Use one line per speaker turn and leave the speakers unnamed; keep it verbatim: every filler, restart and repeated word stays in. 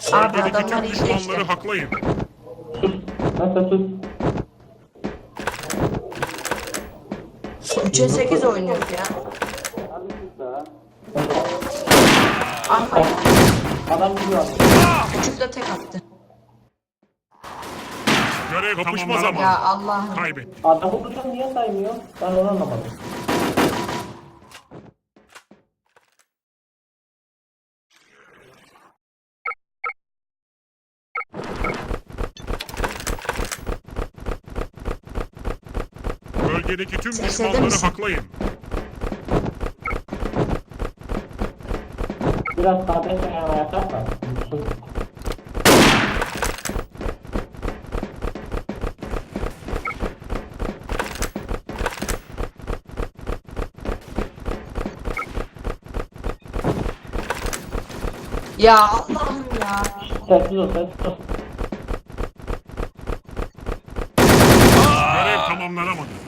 Abi
Bölgedeki
adamlar
tüm
iyi
düşmanları
işte.
haklayın.
Nasıl sus?
üçe sekiz oynuyoruz ya.
Abi sus da.
Aha
Adam gidiyor.
küçük de tek attı.
Görev kapışma zamanı.
Ya Allah'ım.
Kaybet.
Adamı tutan niye saymıyor? Ben onu anlamadım.
Bölgedeki tüm
Sesledim
düşmanları
misin?
haklayın.
Biraz kardeş ayağına yatarsan.
Ya Allah'ım ya.
Sessiz ol, sessiz ol.
Görev tamamlanamadı.